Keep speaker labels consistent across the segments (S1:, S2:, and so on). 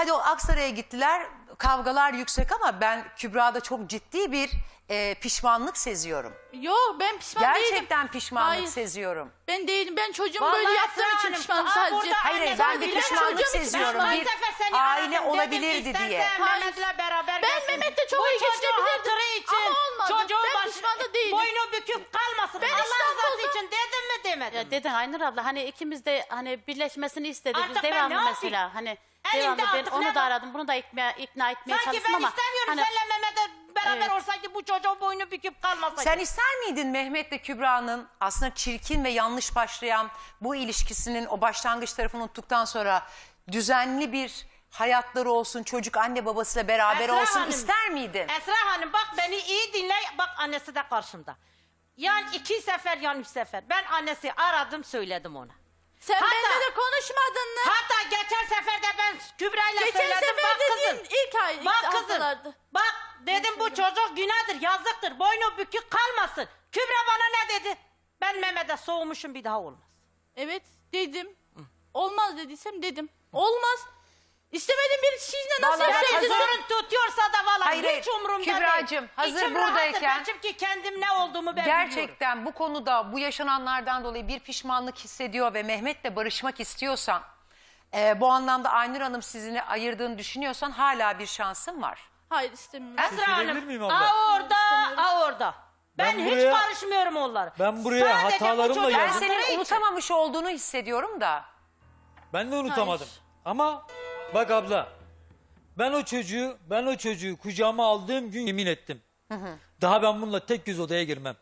S1: Hadi o Aksaray'a gittiler. Kavgalar yüksek ama ben Kübra'da çok ciddi bir pişmanlık seziyorum.
S2: Yok ben pişman değilim.
S1: Gerçekten pişmanlık
S2: Hayır.
S1: seziyorum.
S2: Ben değilim. Ben çocuğum
S3: Vallahi
S2: böyle yaptığım
S3: Esra
S2: için
S3: Hanım,
S2: pişmanım
S3: aa,
S2: sadece.
S3: burada
S1: Hayır
S3: anne
S1: ben bir
S3: babası
S1: pişmanlık
S2: çocuğum için
S1: seziyorum.
S2: pişmanım.
S1: Bir
S3: Ben sefer seni
S1: aile
S3: aradım,
S1: olabilirdi
S3: dedim,
S1: diye.
S3: istersen
S2: Hayır.
S3: Mehmet'le beraber
S2: Ben
S3: gelsin.
S2: Mehmet'le çok
S3: Bu
S2: iyi
S3: çocuğun
S2: geçinebilirdim.
S3: hatırı için,
S2: Ama olmadı.
S3: çocuğun
S2: Ben pişman da değilim.
S3: boynu büküp kalmasın.
S2: Ben
S3: Allah
S2: İstanbul'da-
S3: rızası için dedim mi demedim.
S4: Ya dedin Aynur abla hani ikimiz de hani birleşmesini istedik
S3: Artık
S4: biz
S3: ben
S4: devamlı
S3: ne yapayım?
S4: mesela hani
S3: Elimde
S4: devamlı ben
S3: artık
S4: onu
S3: ne
S4: da
S3: var?
S4: aradım bunu da ikna etmeye
S3: Sanki
S4: çalıştım
S3: ben
S4: ama
S3: istemiyorum
S4: hani,
S3: seninle Mehmet'le beraber
S4: Evet.
S3: olsaydı bu çocuğun boynu büküp kalmasaydı.
S1: Sen ister miydin Mehmet'le Kübra'nın aslında çirkin ve yanlış başlayan bu ilişkisinin o başlangıç tarafını unuttuktan sonra düzenli bir hayatları olsun, çocuk anne babasıyla beraber
S3: Esra
S1: olsun
S3: Hanım,
S1: ister miydin?
S3: Esra Hanım bak beni iyi dinle. Bak annesi de karşımda. Yani 2 sefer yani 3 sefer. Ben annesi aradım söyledim ona.
S2: Sen
S3: Hatta-
S2: benimle de konuşmadın mı?
S3: Hatta geçen sefer de ben Kübra'yla
S2: Geçen
S3: söyledim.
S2: sefer
S3: Bak
S2: dediğin
S3: kızım.
S2: ilk ay, ilk
S3: Bak kızım.
S2: haftalardı.
S3: Bak dedim bu çocuk günahdır, yazıktır. Boynu bükük kalmasın. Kübra bana ne dedi? Ben Mehmet'e soğumuşum bir daha olmaz.
S2: Evet dedim. Olmaz dediysem dedim. Olmaz. İstemediğim bir şeyle nasıl
S1: Vallahi
S2: yaşayacağız?
S3: Sorun tutuyorsa da valla
S1: Hayır,
S3: hiç umurumda değil.
S1: Kübracığım, hazır
S3: İçim rahattır.
S1: buradayken-
S3: Ben çünkü kendim ne olduğumu ben biliyorum.
S1: Gerçekten bu konuda bu yaşananlardan dolayı bir pişmanlık hissediyor ve Mehmet'le barışmak istiyorsan, bu anlamda Aynur Hanım sizini ayırdığını düşünüyorsan hala bir şansın var.
S2: Hayır istemiyorum.
S3: Esra
S5: Söyleyebilir
S3: Hanım,
S5: miyim abla?
S3: a orada. Ben hiç
S5: buraya-
S3: karışmıyorum onlara.
S5: Ben buraya
S3: Sadece bu
S5: hatalarımla
S3: çocuğun
S1: Ben
S5: geldim.
S3: hatırı
S1: senin
S3: için.
S1: unutamamış olduğunu hissediyorum da.
S5: Ben de unutamadım.
S2: Hayır.
S5: Ama bak abla ben o çocuğu kucağıma aldığım gün yemin ettim. Daha ben bununla tek göz odaya girmem.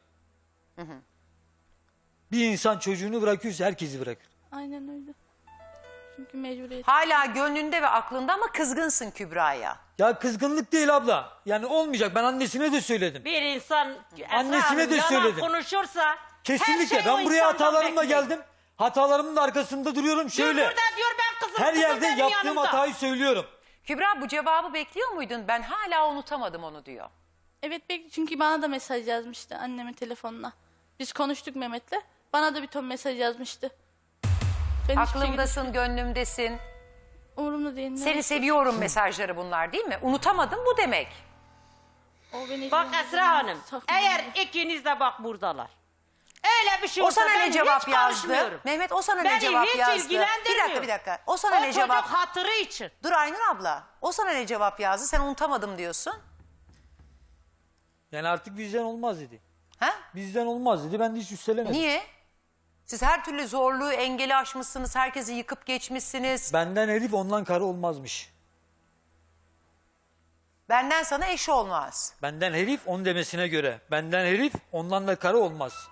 S5: Bir insan çocuğunu bırakıyorsa herkesi bırakır.
S2: Aynen öyle. Çünkü mecburiyet.
S1: Hala gönlünde ve aklında ama kızgınsın Kübra'ya.
S5: Ya kızgınlık değil abla. Yani olmayacak. Ben annesine de söyledim.
S3: Bir insan Esra
S5: Annesine
S3: Hanım,
S5: de
S3: yalan
S5: söyledim.
S3: konuşursa
S5: Kesinlikle.
S3: her şey o
S5: Ben buraya
S3: insandan
S5: hatalarımla
S3: bekliyor.
S5: geldim. Hatalarımın da arkasında duruyorum.
S3: Dur
S5: Şöyle.
S3: burada diyor ben kızım.
S5: Her
S3: kızım
S5: yerde
S3: benim
S5: yaptığım
S3: yanımda.
S5: hatayı söylüyorum.
S1: Kübra bu cevabı bekliyor muydun? Ben hala unutamadım onu diyor.
S2: Evet çünkü bana da mesaj yazmıştı annemin telefonuna. Biz konuştuk Mehmet'le. Bana da bir ton mesaj yazmıştı. Ben hiçbir şekilde-
S1: Aklımdasın, gönlümdesin.
S2: Umurumda değil.
S1: Seni seviyorum mesajları bunlar değil mi? Unutamadım bu demek.
S2: O beni
S3: Bak
S2: ilgilendirmez.
S3: Esra Hanım
S2: Takmıyorum.
S3: eğer ikiniz de bak buradalar. Öyle bir şey
S1: O
S3: olsa
S1: sana
S3: ben
S1: ne cevap
S3: hiç
S1: yazdı?
S3: karışmıyorum.
S1: Mehmet o sana ne
S3: Beni
S1: cevap
S3: hiç
S1: yazdı?
S3: ilgilendirmiyor.
S1: Bir dakika. O sana
S3: O
S1: ne
S3: çocuk
S1: cevap?
S3: hatırı için.
S1: Dur Aynur abla. O sana ne cevap yazdı? Sen unutamadım diyorsun.
S5: Yani artık bizden olmaz dedi.
S1: Ha?
S5: Bizden olmaz dedi. Ben de hiç üstelemedim.
S1: Niye? Siz her türlü zorluğu, engeli aşmışsınız. Herkesi yıkıp geçmişsiniz.
S5: Benden herif ondan karı olmazmış.
S1: Benden sana eş olmaz.
S5: Benden herif on demesine göre. Benden herif ondan da karı olmaz.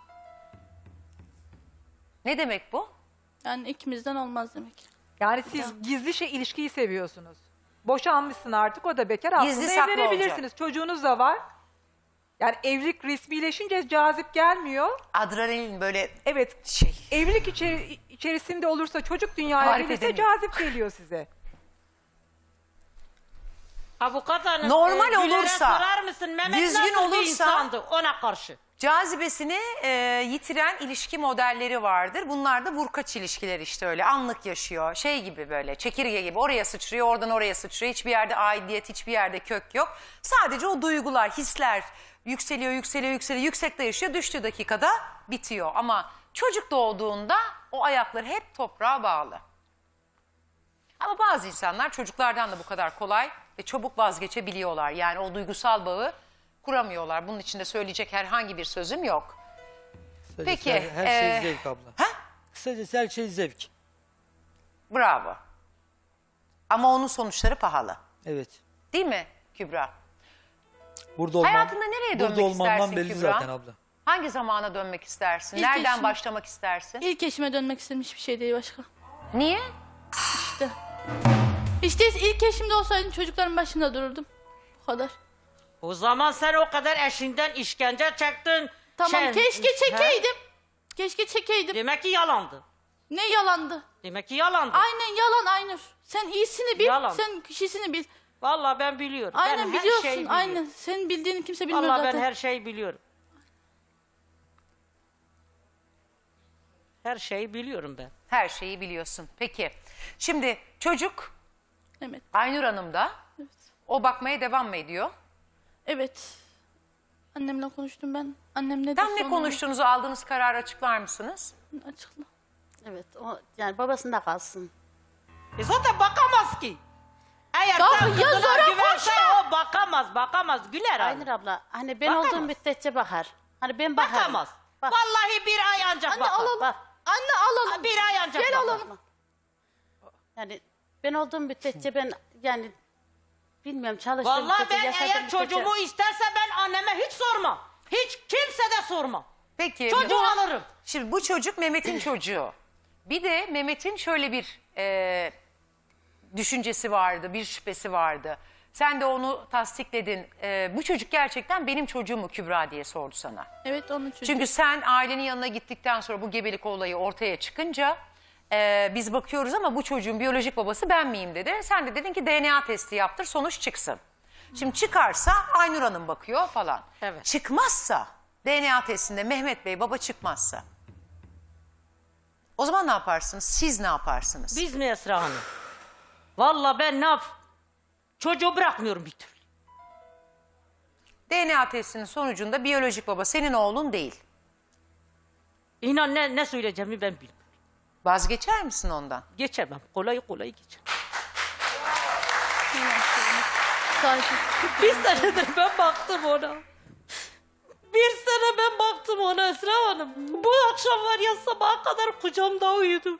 S1: Ne demek bu?
S2: Yani ikimizden olmaz demek.
S6: Yani siz gizli ilişkiyi seviyorsunuz. Boşanmışsın artık, o da bekar. Aslında
S1: Gizli saklı
S6: evlenebilirsiniz. Çocuğunuz da var. Yani evlilik resmileşince cazip gelmiyor.
S1: Adrenalin böyle
S6: Evet,
S1: şey.
S6: evlilik içerisinde olursa, çocuk dünyaya
S1: Tarif
S6: gelirse
S1: edemiyorum.
S6: cazip geliyor size.
S3: Avukat hanım
S1: Normal
S3: Güler'e
S1: olursa,
S3: sorar mısın? Mehmet
S1: düzgün
S3: nasıl bir
S1: olursa-
S3: insandı ona karşı?
S1: Cazibesini yitiren ilişki modelleri vardır. Bunlar da vurkaç ilişkiler işte öyle. Anlık yaşıyor. Şey gibi böyle çekirge gibi oraya sıçrıyor, oradan oraya sıçrıyor. Hiçbir yerde aidiyet, hiçbir yerde kök yok. Sadece o duygular, hisler yükseliyor, yükseliyor, yükseliyor. Yüksekte yaşıyor, düştüğü dakikada bitiyor. Ama çocuk doğduğunda o ayakları hep toprağa bağlı. Ama bazı insanlar çocuklardan da bu kadar kolay ve çabuk vazgeçebiliyorlar. Yani o duygusal bağı kuramıyorlar. Bunun için de söyleyecek herhangi bir sözüm yok.
S5: Kısacası
S1: Peki,
S5: Her şey zevk abla.
S1: Ha?
S5: Kısacası her şey zevk.
S1: Bravo. Ama onun sonuçları pahalı.
S5: Evet.
S1: Değil mi Kübra?
S5: Burada olmam,
S1: Hayatında nereye dönmek
S5: burada olmamdan
S1: istersin
S5: belli
S1: Kübra?
S5: zaten abla.
S1: Hangi zamana dönmek istersin?
S2: İlk
S1: Nereden
S2: eşim.
S1: başlamak istersin?
S2: İlk eşime dönmek istedim, hiçbir şey değil başka.
S1: Niye?
S2: İşte ilk eşimde olsaydım çocukların başında dururdum. Bu kadar.
S3: O zaman sen o kadar eşinden işkence çektin.
S2: Tamam keşke
S3: He?
S2: çekeydim. Keşke çekeydim.
S3: Demek ki yalandı.
S2: Ne yalandı?
S3: Demek ki yalandı.
S2: Aynen yalan Aynur. Sen iyisini bil,
S3: Yalan.
S2: sen kişisini bil.
S3: Vallahi ben biliyorum.
S2: Aynen
S3: ben her
S2: biliyorsun,
S3: şeyi biliyorum.
S2: aynen. Senin bildiğini kimse bilmiyor
S3: Vallahi
S2: zaten.
S3: ben her şeyi biliyorum. Her şeyi biliyorum ben.
S1: Her şeyi biliyorsun. Peki. Şimdi çocuk
S2: Mehmet.
S1: Aynur Hanım da o bakmaya devam mı ediyor?
S2: Evet. Annemle konuştum ben. Annem ne
S1: Tam
S2: derse
S1: ne
S2: onu
S1: konuştuğunuzu, aldığınız kararı açıklar mısınız?
S2: açıkla.
S4: Evet, o yani babasında kalsın.
S3: Zaten bakamaz ki. Eğer
S2: Ya
S3: sen
S2: ya
S3: kızına
S2: zora
S3: güvensen o bakamaz. Güler
S4: Aynur
S3: abi.
S4: abla, hani ben
S3: Bakamaz.
S4: olduğum müddetçe bakar. Hani ben bakarım.
S3: Bakamaz.
S4: Bak,
S3: Vallahi bir ay ancak
S2: Anne
S3: bakar.
S2: alalım.
S4: bak.
S2: Anne alalım.
S3: Bir ay ancak
S2: Gel
S3: bakar.
S2: alalım.
S4: Yani ben olduğum müddetçe ben yani bilmiyorum çalıştığım
S3: Vallahi
S4: müddetçe,
S3: ben
S4: yaşadığım
S3: eğer
S4: müddetçe-
S3: çocuğumu isterse ben anneme hiç sormam. Hiç kimse de sormam.
S1: Peki.
S3: Çocuğu alırım.
S1: Şimdi bu çocuk Mehmet'in çocuğu. Bir de Mehmet'in şöyle bir düşüncesi vardı, bir şüphesi vardı. Sen de onu tasdikledin. Bu çocuk gerçekten benim çocuğum mu Kübra diye sordu sana.
S2: Evet onun çocuğu.
S1: Çünkü sen ailenin yanına gittikten sonra bu gebelik olayı ortaya çıkınca biz bakıyoruz ama bu çocuğun biyolojik babası ben miyim dedi. Sen de dedin ki DNA testi yaptır, sonuç çıksın. Şimdi çıkarsa Aynur Hanım bakıyor falan.
S3: Evet.
S1: Çıkmazsa DNA testinde Mehmet Bey baba çıkmazsa o zaman ne yaparsınız? Siz ne yaparsınız?
S3: Biz mi Esra Hanım? Vallahi ben ne yap? Çocuğu bırakmıyorum bir türlü.
S1: DNA testinin sonucunda biyolojik baba senin oğlun değil.
S3: İnan ne söyleyeceğimi ben bilmiyorum.
S1: Vazgeçer misin ondan?
S3: Geçemem. Kolay geçemem.
S2: Sakin.
S3: Bir senedir ben baktım ona. Bir sene ben baktım ona Esra Hanım. Bu akşam var ya sabaha kadar kucağımda uyudu.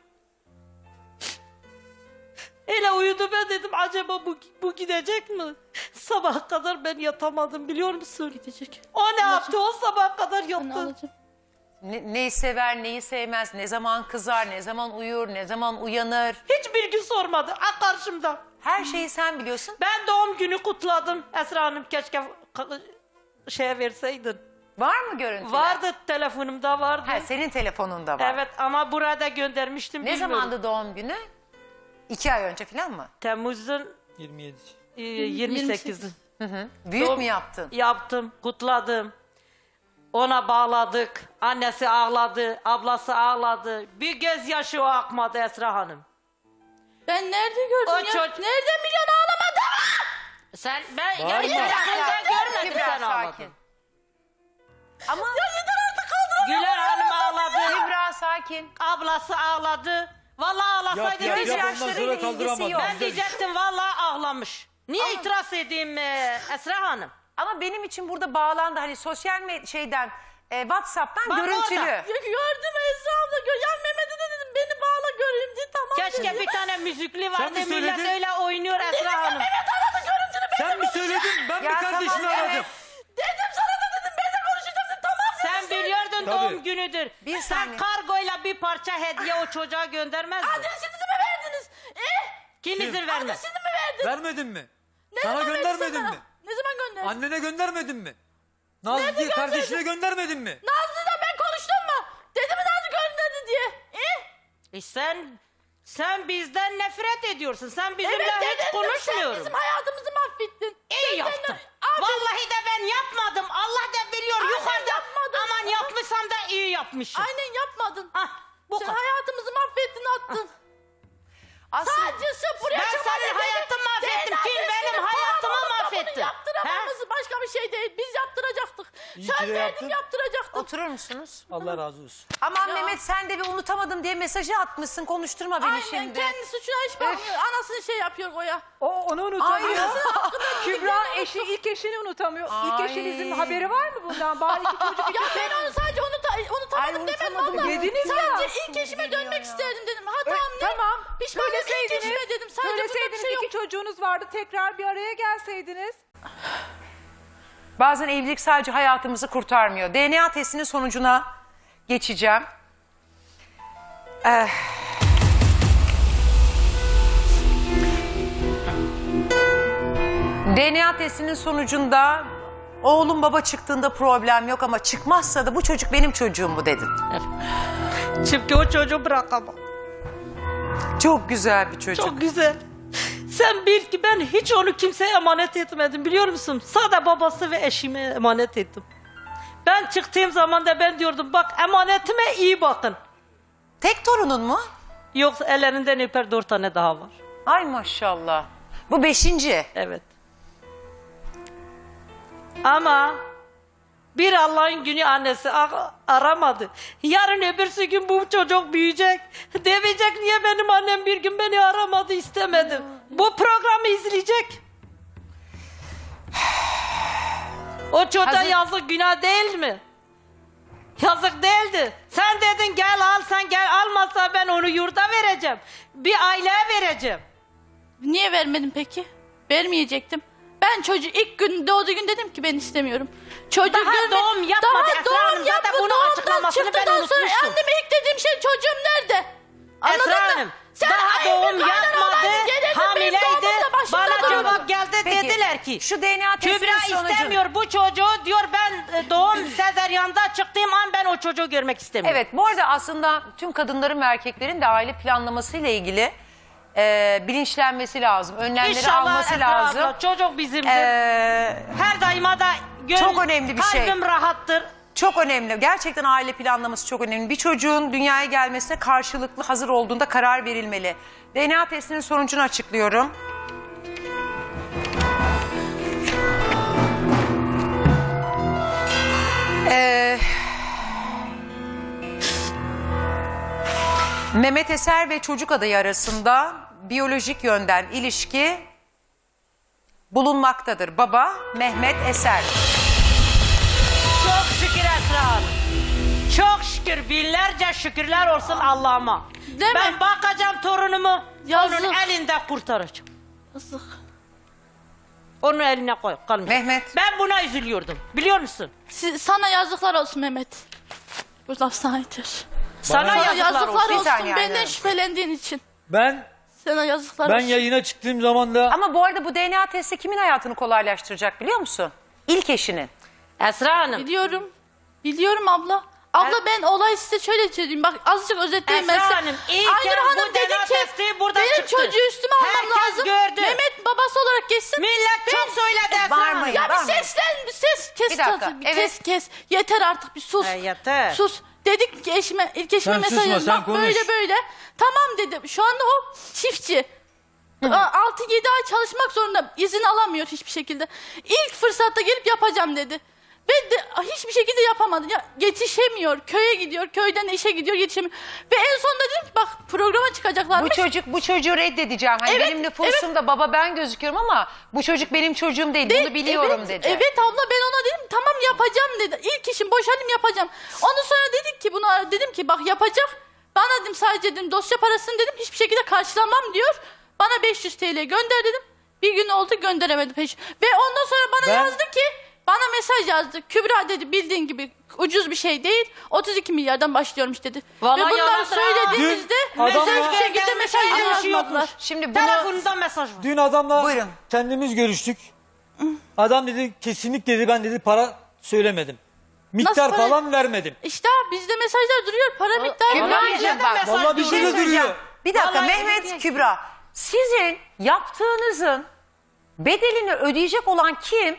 S3: Öyle uyudu, ben dedim acaba bu gidecek mi? Sabaha kadar ben yatamadım biliyor musun?
S2: Gidecek.
S3: O ne yaptı? O sabaha kadar
S2: Anne
S3: yattı.
S2: alacağım.
S1: Neyi sever, neyi sevmez, ne zaman kızar, ne zaman uyur, ne zaman uyanır.
S3: Hiçbir gün sormadı. Karşımda.
S1: Her şeyi sen biliyorsun.
S3: Ben doğum günü kutladım. Esra Hanım keşke şeye verseydin.
S1: Var mı görüntüler?
S3: Vardı, telefonumda vardı.
S1: Ha, senin telefonunda var.
S3: Evet ama burada göndermiştim.
S1: Ne
S3: bilmiyorum.
S1: zamandı doğum günü? 2 ay önce falan mı?
S3: Temmuz'un
S5: 27.
S3: 28'i.
S1: Büyük
S3: Doğum-
S1: mü yaptın?
S3: Yaptım, kutladım. Ona bağladık. Annesi ağladı, ablası ağladı. Bir gözyaşı o akmadı Esra Hanım.
S2: Ben nerede gördüm
S3: O
S2: ya?
S3: çocuk-
S2: Nerede milyon ağlamadı?
S3: Sen ben
S5: Bağırma.
S3: yani telefonda görmedim
S1: Kübra,
S3: sen ağladın.
S1: sakin. Ama
S3: Güler Hanım ağladı.
S1: Kübra sakin.
S3: Ablası ağladı. Vallahi ağlasaydı
S5: Yap,
S3: biz
S5: yap, ondan
S1: yaşlarıyla
S5: sonra
S1: ilgisi
S5: kaldıramadım.
S1: yok.
S3: ben diyecektim vallahi ağlamış. Niye itiraz edeyim Esra Hanım?
S1: Ama benim için burada bağlandı hani sosyal şeyden WhatsApp'tan
S3: Bak
S1: görüntülü.
S3: orada.
S2: Ya gördüm Esra abla. Ya Mehmet'e de dedim beni bağla göreyim diye tamam
S3: Keşke
S2: dedi.
S3: bir tane müzikli vardı.
S5: mi
S3: Millet
S5: söyledin?
S3: öyle oynuyor Esra Hanım.
S5: Sen mi söyledin? Ben mi
S1: Ya
S5: kardeşini
S1: tamam, evet.
S5: aradım?
S2: Dedim sana da dedim ben de konuşacağım dedim tamam dedim.
S3: Sen biliyordun
S5: Tabii.
S3: doğum günüdür.
S1: Bir
S3: Sen
S1: saniye.
S3: kargoyla bir parça hediye o çocuğa göndermezdin.
S2: Adresinizi mi verdiniz?
S3: Kim izin vermez?
S2: Adresini mi verdin?
S5: Vermedin mi?
S2: Ne
S5: Sana
S2: zaman verdin
S5: göndermedin
S2: sana?
S5: mi?
S2: Ne zaman gönderdin?
S5: Annene göndermedin mi? Nazlı diye kardeşine göndermedin mi?
S2: Nazlı'dan ben konuştum mu? Dedi mi Nazlı gönderdi diye?
S3: Sen bizden nefret ediyorsun. Sen bizimle
S2: Evet
S3: hiç
S2: dedim sen
S3: konuşmuyorum.
S2: bizim hayatımızı mahvettin.
S3: İyi
S2: Sen
S3: yaptın.
S2: kendin- Aferin.
S3: Vallahi de ben yapmadım. Allah da biliyor.
S2: Aynen
S3: Yukarıda
S2: yapmadın.
S3: aman yapmışsam da iyi yapmışım.
S2: Aynen yapmadın.
S3: Hah, bu
S2: Sen
S3: kadar.
S2: hayatımızı mahvettin attın.
S1: Aslında
S2: Sadece sırf buraya
S3: Ben
S2: çıkmadın
S3: senin
S2: dedi.
S3: hayatını mahvettim.
S2: DNA
S3: Kim
S2: testini
S3: benim
S2: falan
S3: hayatımı
S2: olup da
S3: mahvetti?
S2: Bunu yaptıramamız başka bir şey değil. Biz yaptıracaktık.
S5: İyi
S2: Sen
S5: ki de
S2: verdin
S5: yaptın.
S2: yaptıracaktın.
S1: oturur musunuz?
S5: Allah razı olsun.
S1: Aman
S2: Ya.
S1: Mehmet sen de bir unutamadım diye mesajı atmışsın. Konuşturma beni
S2: Aynen
S1: şimdi.
S2: kendi suçuna hiç bakmıyor. Anasını şey yapıyor Goya.
S6: O onu unutamıyor.
S1: Ay.
S6: Kübra ilk eşini unutamıyor. İlk
S1: Ay.
S6: eşinizin haberi var mı bundan? Bari iki çocuk
S2: Ya ben onu sadece unutamadım
S1: Ay,
S2: demedim
S1: unutamadım
S2: valla.
S6: dediniz ya.
S2: Sadece ilk eşime dönmek isterdim dedim. Hatam ne?
S6: Tamam.
S2: Pişmanım ilk eşime dedim. Sadece bunda bir
S6: Söyleseydiniz
S2: şey yok.
S6: iki çocuğunuz vardı. Tekrar bir araya gelseydiniz.
S1: Bazen evlilik sadece hayatımızı kurtarmıyor. DNA testinin sonucuna geçeceğim. DNA testinin sonucunda oğlum baba çıktığında problem yok ama çıkmazsa da bu çocuk benim çocuğum mu dedin.
S3: Çünkü o çocuğu bırakamam.
S1: Çok güzel bir çocuk.
S3: Çok güzel. Sen bil ki ben hiç onu kimseye emanet etmedim biliyor musun? Sadece babası ve eşime emanet ettim. Ben çıktığım zaman da ben diyordum bak emanetime iyi bakın.
S1: Tek torunun mu?
S3: Yoksa ellerinden öper 4 tane daha var.
S1: Ay maşallah. Bu 5.
S3: Evet. Ama bir Allah'ın günü annesi aramadı. Yarın öbürsü gün bu çocuk büyüyecek. Demeyecek niye benim annem bir gün beni aramadı, istemedim. Bu programı izleyecek. O çocuğa
S1: Hazır-
S3: yazık, günah değil mi? Yazık değildi. Sen dedin gel al, sen gel, almazsa ben onu yurda vereceğim. Bir aileye vereceğim.
S2: Niye vermedin peki? Vermeyecektim. Ben çocuğu ilk gün doğduğu gün dedim ki ben istemiyorum. Çocuğu
S3: Daha doğum yapmadı
S2: Daha
S3: Esra
S2: doğum
S3: Hanım. Zaten
S2: yapmadı.
S3: bunun
S2: Doğumdan
S3: açıklamasını ben
S2: çıktıktan sonra
S3: unutmuştum.
S2: anneme ilk dediğim şey çocuğum nerede? Anladın
S3: Esra
S2: mı?
S3: Hanım,
S2: Sen
S3: daha
S2: hayır,
S3: doğum
S2: bir kaynan
S3: yapmadı,
S2: olaydın, gelirdin, benim
S3: hamileydi.
S2: doğumumda başımda
S3: Bana
S2: dururdun.
S3: cevap geldi,
S1: Peki,
S3: dediler ki
S1: şu DNA testinin
S3: Kübra
S1: sonucu.
S3: istemiyor bu çocuğu, diyor ben doğum sezeryanda çıktığım an ben o çocuğu görmek istemiyorum.
S1: Evet, bu arada aslında tüm kadınların ve erkeklerin de aile planlamasıyla ilgili bilinçlenmesi lazım. Önlemleri
S3: İnşallah
S1: alması
S3: Esra
S1: lazım.
S3: abla, çocuk bizimdir.
S1: E,
S3: Her daima da
S1: Çok önemli bir şey.
S3: Kalbim rahattır.
S1: Çok önemli. Gerçekten aile planlaması çok önemli. Bir çocuğun dünyaya gelmesine karşılıklı hazır olduğunda karar verilmeli. DNA testinin sonucunu açıklıyorum. Mehmet Eser ve çocuk adayı arasında biyolojik yönden ilişki bulunmaktadır. Baba Mehmet Eser.
S3: Çok şükür Esra Hanım. Çok şükür, binlerce şükürler olsun Allah'ıma.
S2: Değil
S3: Ben
S2: mi?
S3: bakacağım torunumu,
S2: Yazık.
S3: onun elinde kurtaracağım.
S2: Yazık.
S3: Onun eline koy, kalmayacak.
S1: Mehmet.
S3: Ben buna üzülüyordum, biliyor musun?
S2: Sana yazıklar olsun Mehmet. Bu laf sana yeter.
S3: Sana
S2: Sana
S3: yazıklar
S2: yazıklar
S3: olsun.
S1: Bir
S2: olsun
S1: saniye
S2: benden
S1: Aynur.
S2: şüphelendiğin için.
S5: Ben
S2: Sana yazıklar
S5: ben
S2: olsun.
S5: yayına çıktığım zaman da
S1: Ama bu arada bu DNA testi kimin hayatını kolaylaştıracak biliyor musun? İlk eşinin.
S3: Esra Hanım,
S2: Biliyorum. Biliyorum abla. Abla ben olay size şöyle söyleyeyim. Bak azıcık özetleyeyim ben
S3: Esra
S2: size.
S3: Hanım, iyi
S2: Aynur
S3: ki
S2: Hanım
S3: bu
S2: dedi
S3: DNA
S2: ki
S3: testi burada
S2: benim
S3: çıktı.
S2: çocuğu üstüme almam
S3: Herkes
S2: lazım.
S3: gördü.
S2: Mehmet babası olarak geçsin.
S3: millet çok söyledi Esra
S1: Var
S3: Hanım.
S1: mı
S2: Ya
S1: Var
S2: bir
S1: mı?
S2: seslen, bir ses kes.
S1: Bir dakika,
S2: tatlım, bir
S1: evet.
S2: kes. Yeter artık bir sus.
S3: Yeter.
S2: Sus. Dedik ki eşime, ilk eşime
S5: Sen
S2: mesaj
S5: susma,
S2: yazdım.
S5: sen
S2: Bak
S5: konuş.
S2: böyle böyle. Tamam dedim. Şu anda o çiftçi. 6-7 ay çalışmak zorunda. İzin alamıyor hiçbir şekilde. İlk fırsatta gelip yapacağım dedi. Ve de, hiçbir şekilde yapamadı. Ya, yetişemiyor. Köye gidiyor. Köyden işe gidiyor. Yetişemiyor. Ve en sonunda dedim ki bak programa çıkacaklarmış.
S1: Bu çocuğu reddedeceğim. Hani
S2: Evet,
S1: benim nüfusumda baba ben gözüküyorum ama bu çocuk benim çocuğum değil. Bunu biliyorum
S2: evet,
S1: dedi.
S2: Evet abla ben ona dedim tamam yapacağım dedi. İlk işim boşalayım yapacağım. Ondan sonra dedik ki buna dedim ki bak yapacak. Bana dedim sadece dedim dosya parasını dedim hiçbir şekilde karşılamam diyor. Bana 500 TL gönder dedim. Bir gün oldu gönderemedi peş. Ve ondan sonra bana
S5: Ben-
S2: yazdı ki bana mesaj yazdı. Kübra dedi bildiğin gibi ucuz bir şey değil. 32 milyardan başlıyormuş dedi.
S3: Vallahi
S2: Ve bunları
S3: yalandır ha.
S2: söylediğimizde
S5: Dün adamla-
S2: hiçbir şekilde mesaj yazmadılar.
S1: Şimdi bunu
S3: Telefonunda mesaj var.
S5: dün adamla
S1: Buyurun.
S5: kendimiz görüştük. Adam dedi kesinlikle dedi ben dedi para söylemedim. Miktar
S2: para?
S5: falan vermedim.
S2: İşte bizde mesajlar duruyor. Para miktarı.
S1: Kübra'cığım bak.
S5: Vallahi
S1: bir
S5: bizde
S1: şey
S5: de
S1: söyleyeceğim.
S5: duruyor.
S1: Bir dakika
S3: Vallahi
S1: Mehmet
S3: duruyor.
S1: Kübra. Sizin yaptığınızın bedelini ödeyecek olan kim?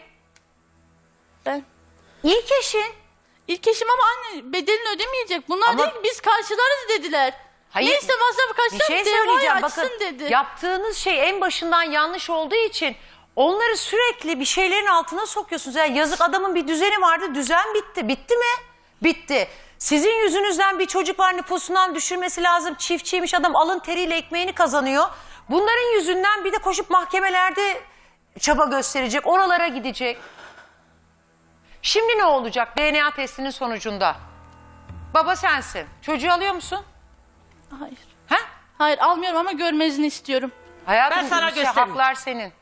S2: Ben.
S1: İlk eşin.
S2: İlk eşim ama anne bedelini ödemeyecek. Bunlar
S1: Ama-
S2: değil ki biz karşılarız dediler.
S1: Hayır,
S2: Neyse masrafı
S1: Bir
S2: karşılar
S1: şey
S2: devayı
S1: söyleyeceğim.
S2: açsın
S1: Bakın
S2: dedi.
S1: yaptığınız şey en başından yanlış olduğu için onları sürekli bir şeylerin altına sokuyorsunuz. Yani yazık adamın bir düzeni vardı. Düzen bitti. Bitti mi? Bitti. Sizin yüzünüzden bir çocuk var nüfusundan düşürmesi lazım. Çiftçiymiş adam alın teriyle ekmeğini kazanıyor. Bunların yüzünden bir de koşup mahkemelerde çaba gösterecek. Oralara gidecek. Şimdi ne olacak DNA testinin sonucunda? Baba sensin. Çocuğu alıyor musun?
S2: Hayır.
S1: Ha?
S2: Hayır almıyorum ama görmenizi istiyorum.
S1: Hayatım
S3: Ben sana
S1: işte
S3: göstermeyeyim.
S1: haklar senin.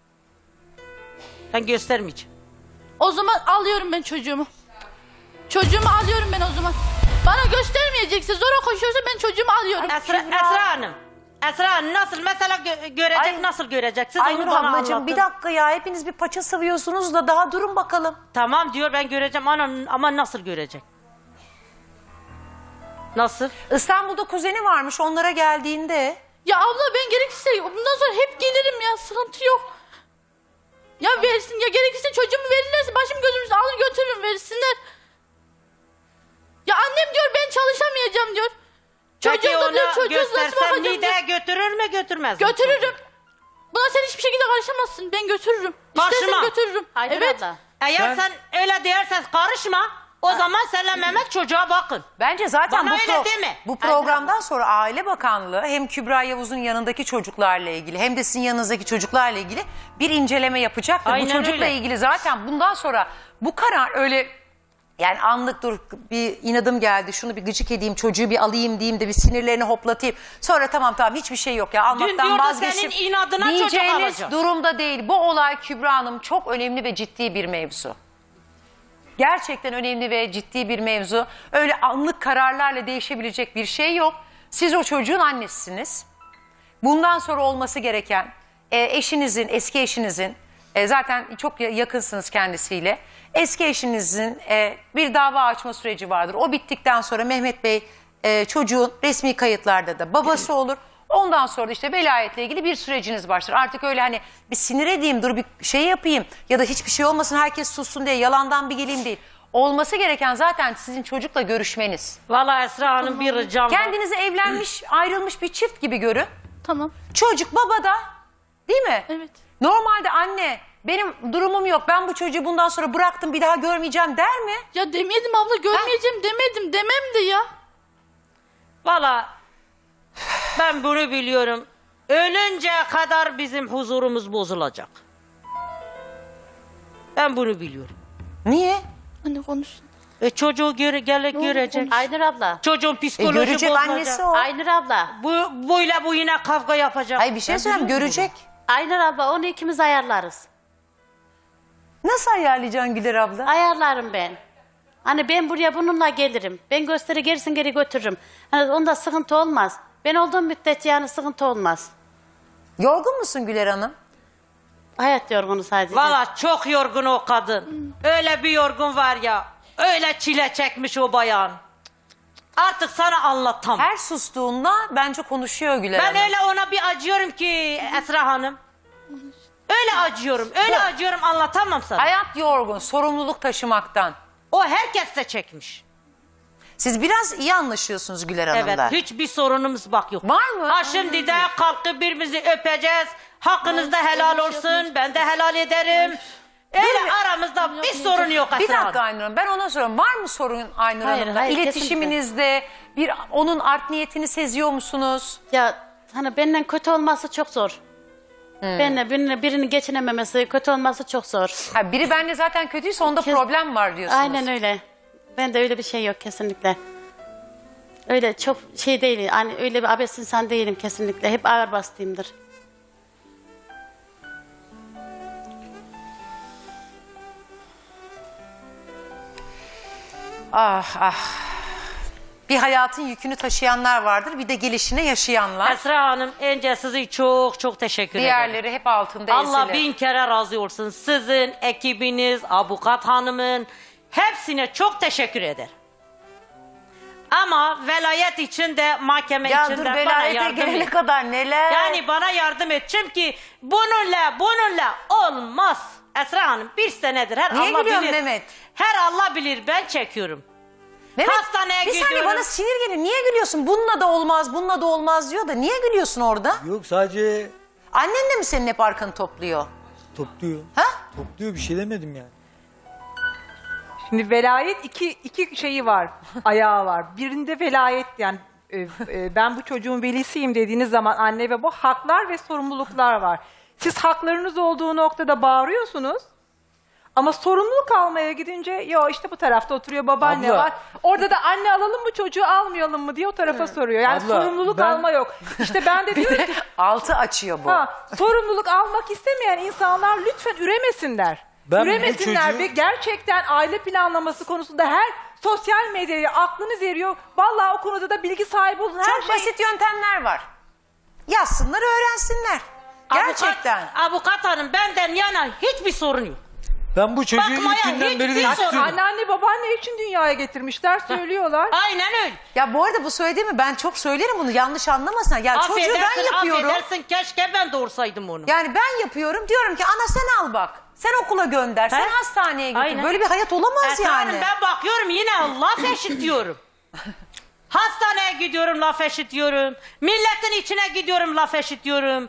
S3: Ben göstermeyeceğim.
S2: O zaman alıyorum ben çocuğumu. Çocuğumu alıyorum ben o zaman. Bana göstermeyecekse zora koşuyorsa ben çocuğumu alıyorum.
S3: Esra Hanım. Esra Hanım nasıl mesela görecek,
S1: Ay-
S3: nasıl görecek? Siz
S1: Aynur
S3: onu bana
S1: ablacığım
S3: anlatın.
S1: bir dakika ya hepiniz bir paça sıvıyorsunuz da daha durun bakalım.
S3: Tamam diyor ben göreceğim ama nasıl görecek? Nasıl?
S1: İstanbul'da kuzeni varmış onlara geldiğinde.
S2: Ya abla ben gerekirse bundan sonra hep gelirim ya sıkıntı yok. Ya versin ya gerekirse çocuğumu verirlerse başım gözüm üstüne alır götürürüm versinler. Ya annem diyor ben çalışamayacağım diyor.
S3: Peki
S2: Çocuğum da diyor
S3: ona
S2: çocuğuz nasıl
S3: göstersem
S2: bakacağım diyor.
S3: Niğde'ye götürür mü götürmez mi?
S2: Götürürüm. Buna sen hiçbir şekilde karışamazsın. Ben götürürüm.
S3: Karışma.
S2: İstersen götürürüm.
S4: Aynur
S2: Evet.
S4: abla.
S3: Eğer sen öyle dersen karışma. O zaman senle Mehmet çocuğa bakın.
S1: Bence zaten
S3: Bana öyle deme.
S1: bu programdan sonra Aile Bakanlığı hem Kübra Yavuz'un yanındaki çocuklarla ilgili hem de sizin yanınızdaki çocuklarla ilgili bir inceleme yapacaktır.
S3: Aynen
S1: Bu çocukla
S3: öyle.
S1: ilgili zaten bundan sonra bu karar öyle yani anlık dur bir inadım geldi şunu bir gıcık edeyim çocuğu bir alayım diyeyim de bir sinirlerini hoplatayım. Sonra tamam hiçbir şey yok ya almaktan
S3: diyordu
S1: vazgeçtim
S3: senin inadına çocuk
S1: diyeceğiniz
S3: alacağım.
S1: durumda değil. Bu olay Kübra Hanım çok önemli ve ciddi bir mevzu. Gerçekten önemli ve ciddi bir mevzu. Öyle anlık kararlarla değişebilecek bir şey yok. Siz o çocuğun annesisiniz. Bundan sonra olması gereken eşinizin, eski eşinizin zaten çok yakınsınız kendisiyle. Eski eşinizin bir dava açma süreci vardır. O bittikten sonra Mehmet Bey çocuğun resmi kayıtlarda da babası olur. Ondan sonra da işte velayetle ilgili bir süreciniz başlar. Artık öyle hani bir sinir edeyim, dur bir şey yapayım ya da hiçbir şey olmasın herkes sussun diye yalandan bir geleyim değil. Olması gereken zaten sizin çocukla görüşmeniz.
S3: Vallahi Esra Hanım bir ricam var.
S1: Kendinizi evlenmiş, ayrılmış bir çift gibi görün.
S2: Tamam.
S1: Çocuk babada, değil mi?
S2: Evet.
S1: Normalde anne benim durumum yok ben bu çocuğu bundan sonra bıraktım bir daha görmeyeceğim der mi?
S2: Ya demedim abla görmeyeceğim demedim. Demem de ya.
S3: Vallahi ben bunu biliyorum. Ölünceye kadar bizim huzurumuz bozulacak. Ben bunu biliyorum.
S1: Niye?
S2: Anne konuşsun.
S3: Çocuğu görecek.
S4: Aynur abla.
S3: Çocuğun psikoloji
S1: Görecek
S3: bozulacak.
S1: annesi o.
S4: Aynur abla.
S3: Bu yine kavga yapacak.
S1: Hayır bir şey söyleyeyim görecek.
S4: Aynur abla onu ikimiz ayarlarız.
S1: Nasıl ayarlayacaksın Güler abla?
S4: Ayarlarım ben. Hani ben buraya bununla gelirim. Ben gösteri gerisin geri götürürüm. Hani onda sıkıntı olmaz. Ben olduğum müddetçe yani sıkıntı olmaz.
S1: Yorgun musun Güler Hanım?
S4: Hayat yorgunu sadece.
S3: Valla çok yorgun o kadın. Öyle bir yorgun var ya. Öyle çile çekmiş o bayan. Artık sana anlatamam.
S1: Her sustuğunda bence konuşuyor Güler
S3: Ben
S1: Hanım.
S3: öyle ona bir acıyorum ki Esra Hanım. Öyle acıyorum. Öyle acıyorum anlatamam sana.
S1: Hayat yorgun, sorumluluk taşımaktan.
S3: O herkes de çekmiş.
S1: Siz biraz iyi anlaşıyorsunuz Güler
S3: Evet.
S1: Hanım'la.
S3: Hiçbir sorunumuz bak yok.
S1: Var mı?
S3: Ha şimdi de kalkıp birbirimizi öpeceğiz. Hakkınız da helal olsun. Ben de helal ederim. Öyle aramızda bir sorun yok Esra
S1: Bir dakika
S3: Hanım.
S1: Aynur Hanım ben ona soruyorum. Var mı sorun Aynur
S4: Hayır,
S1: Hanım'la?
S4: hayır,
S1: İletişiminizde bir onun art niyetini seziyor musunuz?
S4: Ya hani benden kötü olması çok zor. Benimle birini geçinememesi, kötü olması çok zor.
S1: Ha, biri benimle zaten kötüyse onda problem var diyorsunuz.
S4: Aynen öyle. Ben de öyle bir şey yok kesinlikle. Öyle çok şey değil. Hani öyle bir abes insan değilim kesinlikle. Hep ağır bastığımdır.
S1: Ah ah. Bir hayatın yükünü taşıyanlar vardır bir de gelişine yaşayanlar.
S3: Esra Hanım önce sizi çok çok teşekkür ederim.
S1: Diğerleri hep altında
S3: Allah
S1: ezilir.
S3: bin kere razı olsun. Sizin, ekibiniz, avukat hanımın hepsine çok teşekkür ederim. Ama velayet için de mahkeme
S1: Ya
S3: için
S1: dur
S3: de bana
S1: velayete
S3: yardım
S1: gelene
S3: et.
S1: kadar neler.
S3: Yani bana yardım et. Çünkü bununla olmaz. Esra Hanım bir senedir her
S1: Niye
S3: Allah
S1: gülüyorsun
S3: bilir.
S1: Mehmet?
S3: Her Allah bilir ben çekiyorum.
S1: Mehmet,
S3: hastaneye
S1: bir saniye
S3: gidiyorum.
S1: bana sinir geliyor. Niye gülüyorsun? Bununla da olmaz, bununla da olmaz diyor da niye gülüyorsun orada?
S5: Yok sadece
S1: Annen de mi senin hep arkanı topluyor?
S5: topluyor.
S1: Ha?
S5: Topluyor bir şey demedim yani.
S6: Şimdi velayet iki şeyi var, ayağı var. Birinde velayet yani ben bu çocuğun velisiyim dediğiniz zaman anne ve bu haklar ve sorumluluklar var. Siz haklarınız olduğu noktada bağırıyorsunuz. Ama sorumluluk almaya gidince yo işte bu tarafta oturuyor babaanne
S5: Abla.
S6: var. Orada da anne alalım mı çocuğu almayalım mı diye o tarafa soruyor. Yani
S5: Abla,
S6: sorumluluk
S5: ben-
S6: alma yok. İşte ben de diyorum ki
S1: Altı açıyor bu.
S6: sorumluluk almak istemeyen insanlar lütfen üremesinler.
S5: Ben bu
S6: Üremesinler
S5: çocuğu-
S6: ve gerçekten aile planlaması konusunda her sosyal medyaya aklınız eriyor. Vallahi o konuda da bilgi sahibi olun. Her
S1: Çok
S6: şey
S1: basit yöntemler var. Yazsınlar, öğrensinler. Gerçekten.
S3: Avukat hanım benden yana hiçbir sorun yok.
S5: Ben bu çocuğu
S3: Bakmaya
S5: ilk günden
S3: hiç
S5: beri de
S3: bir sorun-
S5: istiyorum.
S6: anneanne babaanne için dünyaya getirmişler söylüyorlar.
S3: Aynen öyle.
S1: Ya bu arada bu söylediğimi ben çok söylerim bunu yanlış anlamasınlar. Ya çocuğu ben yapıyorum.
S3: Affedersin keşke ben doğursaydım onu.
S1: Yani ben yapıyorum diyorum ki ana sen al bak. Sen okula gönder, sen hastaneye götür.
S3: Aynen.
S1: Böyle bir hayat olamaz
S3: Esra
S1: yani.
S3: Hanım ben bakıyorum yine laf eşitiyorum. Hastaneye gidiyorum laf eşitiyorum. Milletin içine gidiyorum laf eşitiyorum.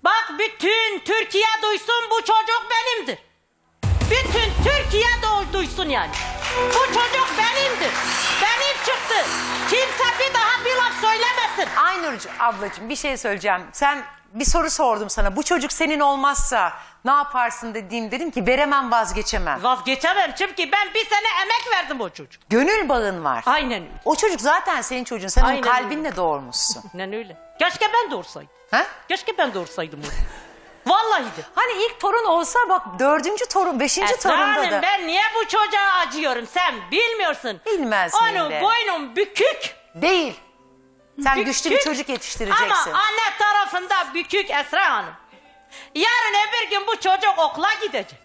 S3: Bak bütün Türkiye duysun bu çocuk benimdir. Bütün Türkiye duysun yani. Bu çocuk benimdir. Benim çıktı. Kimse bir daha bir laf söylemesin.
S1: Aynur ablacığım bir şey söyleyeceğim. Sen bir soru sordum sana. Bu çocuk senin olmazsa ne yaparsın dedim ki veremem, vazgeçemem.
S3: Vazgeçemem çünkü ben bir sene emek verdim o çocuk.
S1: Gönül bağın var.
S3: Aynen öyle.
S1: O çocuk zaten senin çocuğun. Sen
S3: Aynen
S1: onu kalbinle doğurmuşsun.
S3: Aynen öyle. Keşke ben doğursaydım.
S1: Ha?
S3: Keşke ben doğursaydım onu. Vallahi de.
S1: Hani ilk torun olsa bak 4. torun, 5.
S3: Esra
S1: torunda
S3: Hanım,
S1: da.
S3: ben niye bu çocuğa acıyorum sen bilmiyorsun.
S1: Bilmezsin
S3: Onun
S1: de.
S3: boynum bükük.
S1: Değil. Sen
S3: Bükük.
S1: güçlü bir çocuk yetiştireceksin.
S3: Ama anne tarafında bükük Esra Hanım. Yarın öbür gün bu çocuk okula gidecek.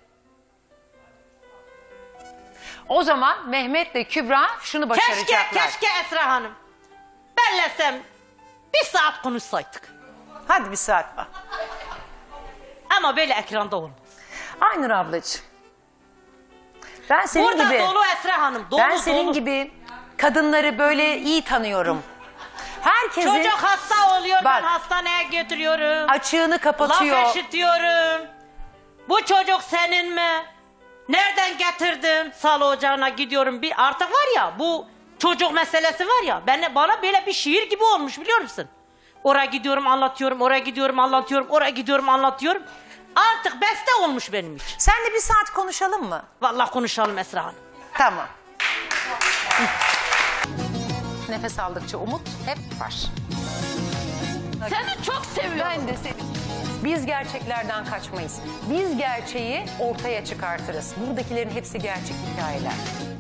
S1: O zaman Mehmet'le Kübra şunu başaracaklar.
S3: Keşke Esra Hanım. Benlesem bir saat konuşsaydık.
S1: Hadi bir saat bak.
S3: Ama böyle ekranda olmaz.
S1: Aynur ablacığım. Ben senin
S3: Burada
S1: gibi.
S3: dolu Esra Hanım. Dolu,
S1: Ben senin
S3: dolu.
S1: gibi kadınları böyle iyi tanıyorum. Herkesin
S3: Çocuk hasta oluyor,
S1: Bak.
S3: ben hastaneye götürüyorum.
S1: açığını kapatıyor.
S3: Laf eşitiyorum. Bu çocuk senin mi? Nereden getirdim? Sağlık ocağına gidiyorum. Artık var ya bu çocuk meselesi var ya. Bana böyle bir şiir gibi olmuş biliyor musun? Oraya gidiyorum anlatıyorum, oraya gidiyorum anlatıyorum, oraya gidiyorum anlatıyorum. Artık beste olmuş benim için.
S1: Senle bir saat konuşalım mı?
S3: Vallahi konuşalım Esra Hanım.
S1: Tamam. Nefes aldıkça umut hep var.
S2: Seni çok seviyorum.
S1: Ben de seni. Biz gerçeklerden kaçmayız. Biz gerçeği ortaya çıkartırız. Buradakilerin hepsi gerçek hikayeler.